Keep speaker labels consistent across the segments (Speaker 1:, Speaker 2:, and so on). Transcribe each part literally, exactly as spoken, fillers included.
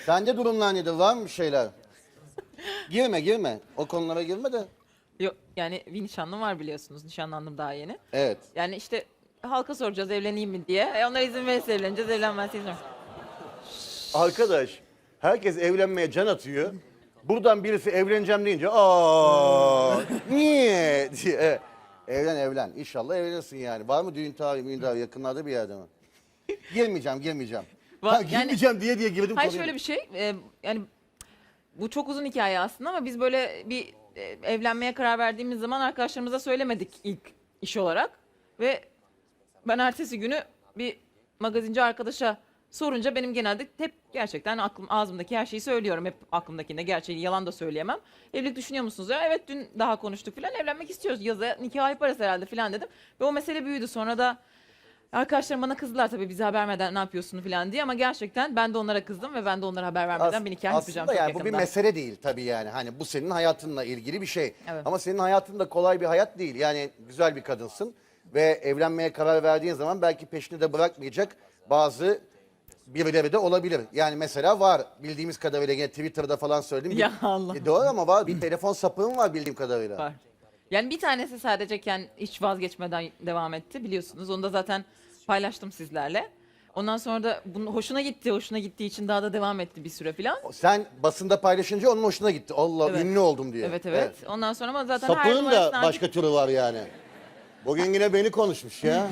Speaker 1: Sende durumlar nedir? Var mı bir şeyler? Girme girme. O konulara girme de.
Speaker 2: Yok yani bir nişanlım var biliyorsunuz. Nişanlandım daha yeni.
Speaker 1: Evet.
Speaker 2: Yani işte halka soracağız evleneyim mi diye. E onlar izin verirse evleneceğiz, evlenmezse izin vermez.
Speaker 1: Arkadaş, herkes evlenmeye can atıyor. Buradan birisi evleneceğim deyince aa niye diye. Evet. Evlen evlen. İnşallah evlenirsin yani. Var mı düğün tarihi, müğün tarihi yakınlarda bir yerde mi? Girmeyeceğim, girmeyeceğim.
Speaker 2: Va-
Speaker 1: Ha,
Speaker 2: yani-
Speaker 1: girmeyeceğim diye diye girdim
Speaker 2: Hayır
Speaker 1: konuya.
Speaker 2: şöyle bir şey. e, yani bu çok uzun hikaye aslında ama biz böyle bir e, evlenmeye karar verdiğimiz zaman arkadaşlarımıza söylemedik ilk iş olarak. Ve ben ertesi günü bir magazinci arkadaşa sorunca benim genelde hep gerçekten aklım ağzımdaki her şeyi söylüyorum. Hep aklımdakinde gerçeği yalan da söyleyemem. Evlilik düşünüyor musunuz? Ya evet dün daha konuştuk falan. Evlenmek istiyoruz. Yaza nikah yaparız herhalde falan dedim. Ve o mesele büyüdü. Sonra da arkadaşlarım bana kızdılar tabii bize haber vermeden ne yapıyorsun falan diye. Ama gerçekten ben de onlara kızdım ve ben de onlara haber vermeden
Speaker 1: As-
Speaker 2: bir nikah yapacağım
Speaker 1: Aslında
Speaker 2: çok
Speaker 1: yani bu bir
Speaker 2: yakında.
Speaker 1: mesele değil tabii yani. Hani bu senin hayatınla ilgili bir şey.
Speaker 2: Evet.
Speaker 1: Ama senin hayatın da kolay bir hayat değil. Yani güzel bir kadınsın ve evlenmeye karar verdiğin zaman belki peşini de bırakmayacak bazı birileri de olabilir. Yani mesela var bildiğimiz kadarıyla yine Twitter'da falan söyledim.
Speaker 2: Ya
Speaker 1: Bir-
Speaker 2: Allah.
Speaker 1: E, doğru ama var bir telefon sapığın var bildiğim kadarıyla.
Speaker 2: Var. Yani bir tanesi sadeceken hiç vazgeçmeden devam etti biliyorsunuz. Onu da zaten paylaştım sizlerle. Ondan sonra da bunun hoşuna gitti. Hoşuna gittiği için daha da devam etti bir süre falan.
Speaker 1: Sen basında paylaşınca onun hoşuna gitti. Allah
Speaker 2: Evet.
Speaker 1: ünlü oldum diye.
Speaker 2: Evet, evet Ondan sonra ama zaten her
Speaker 1: Sapığın da
Speaker 2: numarasını
Speaker 1: başka türü var yani. Bugün yine beni konuşmuş ya.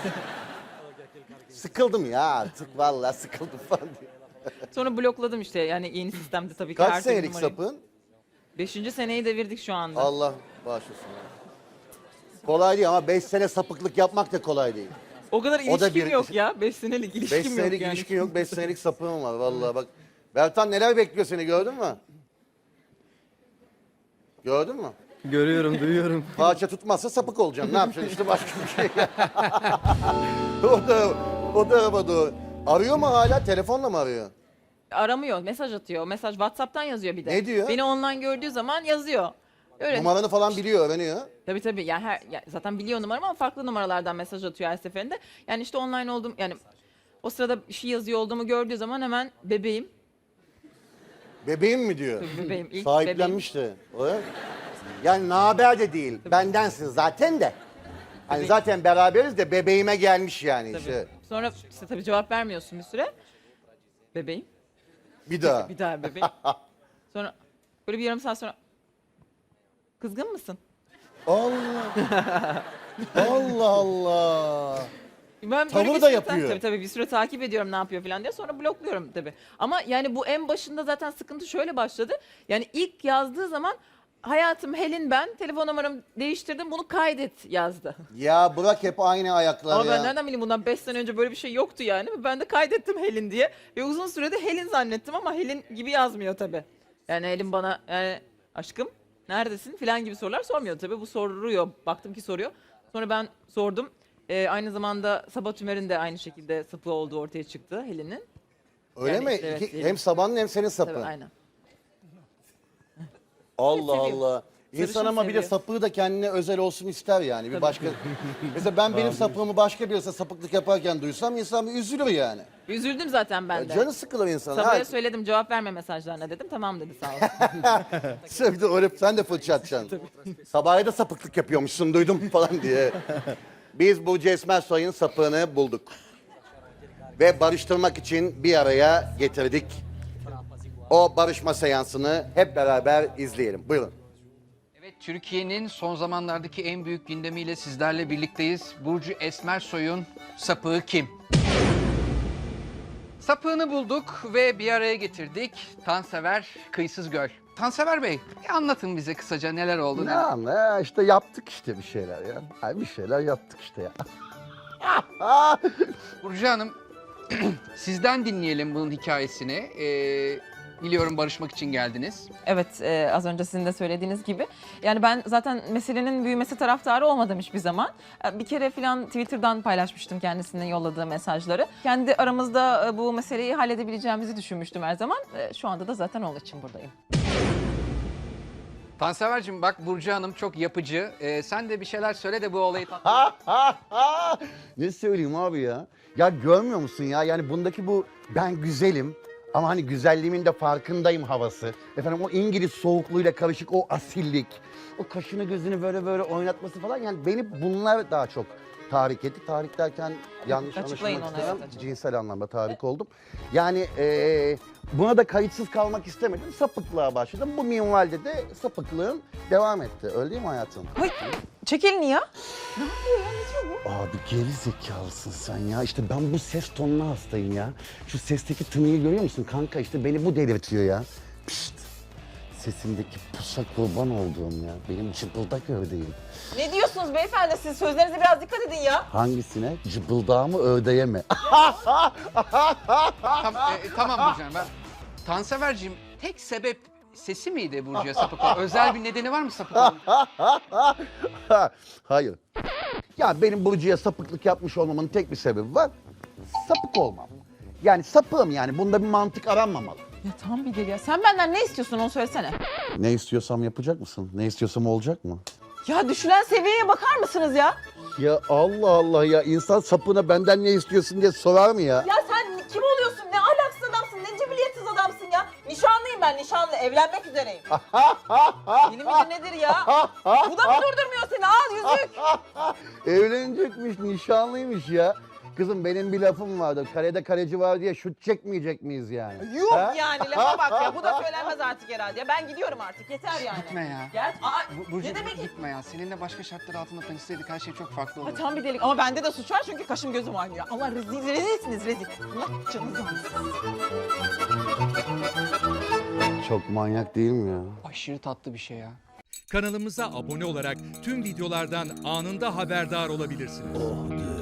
Speaker 1: Sıkıldım ya artık vallahi sıkıldım falan diye.
Speaker 2: sonra blokladım işte. Yani yeni sistemde tabii ki her
Speaker 1: Kaç
Speaker 2: türlü
Speaker 1: senelik
Speaker 2: numarayı.
Speaker 1: sapığın?
Speaker 2: Beşinci seneyi devirdik şu anda.
Speaker 1: Allah bağışlasın. Kolay değil ama beş sene sapıklık yapmak da kolay değil.
Speaker 2: O kadar
Speaker 1: O da
Speaker 2: ilişkim
Speaker 1: bir-
Speaker 2: yok ya. Beş senelik ilişkim
Speaker 1: Beş
Speaker 2: yok
Speaker 1: senelik
Speaker 2: yani.
Speaker 1: ilişkin yok, beş senelik sapığın var vallahi bak. Bertan neler bekliyor seni gördün mü? Gördün mü?
Speaker 3: Görüyorum, duyuyorum.
Speaker 1: Parça tutmazsa sapık olacaksın. Ne yapacaksın işte başka bir şey. o da o da ama doğru. Arıyor mu hala? Telefonla mı arıyor?
Speaker 2: Aramıyor, mesaj atıyor. Mesaj WhatsApp'tan yazıyor bir de.
Speaker 1: Ne diyor?
Speaker 2: Beni online gördüğü zaman yazıyor. Öyle.
Speaker 1: Numaranı falan biliyor, öğreniyor.
Speaker 2: Tabii tabii. Yani her ya zaten biliyor numaramı ama farklı numaralardan mesaj atıyor her seferinde. Yani işte online oldum yani o sırada bir şey yazıyor olduğumu gördüğü zaman hemen bebeğim.
Speaker 1: Bebeğim mi diyor?
Speaker 2: Tabii bebeğim. ilk
Speaker 1: Sahiplenmiş de. O ya. Yani naber de değil. Bendensin zaten de. Hani
Speaker 2: Bebeğim.
Speaker 1: zaten beraberiz de bebeğime gelmiş yani
Speaker 2: Tabii.
Speaker 1: işte.
Speaker 2: Sonra işte tabii cevap vermiyorsun bir süre. Bebeğim.
Speaker 1: Bir daha.
Speaker 2: Bir daha bebeğim. Sonra böyle bir yarım saat sonra kızgın mısın?
Speaker 1: Allah. Allah Allah.
Speaker 2: Ben böyle
Speaker 1: Tavır
Speaker 2: bir
Speaker 1: da
Speaker 2: süre ta-
Speaker 1: yapıyor.
Speaker 2: Tabii tabii bir süre takip ediyorum ne yapıyor falan diye sonra blokluyorum tabii. Ama yani bu en başında zaten sıkıntı şöyle başladı. Yani ilk yazdığı zaman hayatım Helin ben telefon numaramı değiştirdim bunu kaydet yazdı.
Speaker 1: Ya bırak hep aynı ayaklar
Speaker 2: Ama
Speaker 1: ya.
Speaker 2: ben nereden bileyim bundan beş sene önce böyle bir şey yoktu yani. Ben de kaydettim Helin diye. Ve uzun sürede Helin zannettim ama Helin gibi yazmıyor tabii. Yani Helin bana yani aşkım neredesin falan gibi sorular sormuyor tabii. Bu soruyor. Baktım ki soruyor. Sonra ben sordum. Ee, aynı zamanda Sabah Tümer'in de aynı şekilde sapı olduğu ortaya çıktı Helin'in.
Speaker 1: Öyle
Speaker 2: Yani
Speaker 1: mi?
Speaker 2: işte evet,
Speaker 1: İki-
Speaker 2: değil.
Speaker 1: hem sabanın hem senin sapın.
Speaker 2: Tabii aynen.
Speaker 1: Allah
Speaker 2: seviyor.
Speaker 1: Allah. İnsan
Speaker 2: Sarışın
Speaker 1: ama bir de
Speaker 2: seviyor.
Speaker 1: sapığı da kendine özel olsun ister yani. Bir
Speaker 2: Tabii.
Speaker 1: başka. Mesela ben benim sapığımı başka birisi sapıklık yaparken duysam insan bir üzülür yani.
Speaker 2: Üzüldüm zaten ben de.
Speaker 1: Canı sıkılır insan.
Speaker 2: Sabah'a
Speaker 1: Ha,
Speaker 2: söyledim cevap verme mesajlarına dedim. Tamam dedi sağ olsun.
Speaker 1: sen bir de öyle sen de fırça atacaksın. Sabah'a da sapıklık yapıyormuşsun duydum falan diye. Biz Burcu Esmersoy'un sapığını bulduk. Ve barıştırmak için bir araya getirdik. O barışma seansını hep beraber izleyelim. Buyurun.
Speaker 4: Evet, Türkiye'nin son zamanlardaki en büyük gündemiyle sizlerle birlikteyiz. Burcu Esmersoy'un sapığı kim? Sapığını bulduk ve bir araya getirdik. Tansever Kıyısız Göl. Tansever Bey, bir anlatın bize kısaca neler oldu.
Speaker 5: Ne anla işte yaptık işte bir şeyler ya. Ay bir şeyler yaptık işte ya.
Speaker 4: Burcu Hanım, sizden dinleyelim bunun hikayesini. Ee, biliyorum barışmak için geldiniz.
Speaker 2: Evet, e, az önce sizin de söylediğiniz gibi. Yani ben zaten meselenin büyümesi taraftarı olmadım hiçbir zaman. E, Bir kere falan Twitter'dan paylaşmıştım kendisine yolladığı mesajları. Kendi aramızda e, bu meseleyi halledebileceğimizi düşünmüştüm her zaman. E, Şu anda da zaten onun için buradayım.
Speaker 4: Tansever'cim bak Burcu Hanım çok yapıcı. Ee, sen de bir şeyler söyle de bu olayı tat-
Speaker 1: Ha ha ha! Ne söyleyeyim abi ya? Ya görmüyor musun ya? Yani bundaki bu ben güzelim Ama hani güzelliğimin de farkındayım havası. Efendim o İngiliz soğukluğuyla karışık o asillik. O kaşını gözünü böyle böyle oynatması falan. Yani beni bunlar daha çok tahrik etti. Tahrik derken yanlış
Speaker 2: Açıklayın
Speaker 1: anlaşılmak
Speaker 2: onu,
Speaker 1: istemem.
Speaker 2: evet, açıklayın.
Speaker 1: Cinsel anlamda tahrik oldum. Yani eee, buna da kayıtsız kalmak istemedim. Sapıklığa başladım. Bu minvalde de sapıklığım devam etti. Öyle değil mi hayatım?
Speaker 2: Hay, çek elini ya. Ne yapıyor ya? Ne diyor bu?
Speaker 1: Abi geri zekalısın sen ya. İşte ben bu ses tonuna hastayım ya. Şu sesteki tınıyı görüyor musun kanka? İşte beni bu delirtiyor ya. Pişt. Sesimdeki pusa kurban olduğum ya. Benim cıbıldak ördeğim.
Speaker 2: Ne diyorsunuz beyefendi? Siz sözlerinize biraz dikkat edin ya.
Speaker 1: Hangisine? Cıbıldağı mı ördeğe mi?
Speaker 4: Tam, e, tamam Burcu Hanım, ben... Tanseverciğim, tek sebep sesi miydi Burcu'ya sapık olmak? Özel bir nedeni var mı sapık olmak?
Speaker 1: Hayır. Ya benim Burcu'ya sapıklık yapmış olmamın tek bir sebebi var. Sapık olmam. Yani sapığım yani. Bunda bir mantık aranmamalı.
Speaker 2: Ya tam bir deli ya. Sen benden ne istiyorsun onu söylesene.
Speaker 1: Ne istiyorsam yapacak mısın? Ne istiyorsam olacak mı?
Speaker 2: Ya düşülen seviyeye bakar mısınız ya?
Speaker 1: Ya Allah Allah ya insan sapığına benden ne istiyorsun diye sorar mı ya?
Speaker 2: Ya sen kim oluyorsun? Ne ahlaksız adamsın, ne cibiliyetsiz adamsın ya. Nişanlıyım ben, nişanlı. Evlenmek üzereyim. Yeni midir nedir ya? Bu da mı durdurmuyor seni? Al yüzük.
Speaker 1: Evlenecekmiş, nişanlıymış ya. Kızım benim bir lafım vardı. Karede kaleci var diye şut çekmeyecek miyiz yani?
Speaker 2: Yuh
Speaker 1: Ha?
Speaker 2: yani lafa bak ya. Bu da söylenmez artık herhalde. Ya ben gidiyorum artık. Yeter yani.
Speaker 4: Gitme ya.
Speaker 2: Gel. Aa,
Speaker 4: Bu- Burcu,
Speaker 2: ne demek?
Speaker 4: gitme ya. Seninle başka şartlar altında tanışsaydık her şey çok farklı
Speaker 2: Ay,
Speaker 4: olurdu.
Speaker 2: tam bir delik. Ama bende de suç var çünkü kaşım gözüm oynuyor. Allah rezil, rezilsiniz rezil. Allah canınızı alsın.
Speaker 1: Çok manyak değil mi ya?
Speaker 4: Aşırı tatlı bir şey ya.
Speaker 3: Kanalımıza abone olarak tüm videolardan anında haberdar olabilirsiniz.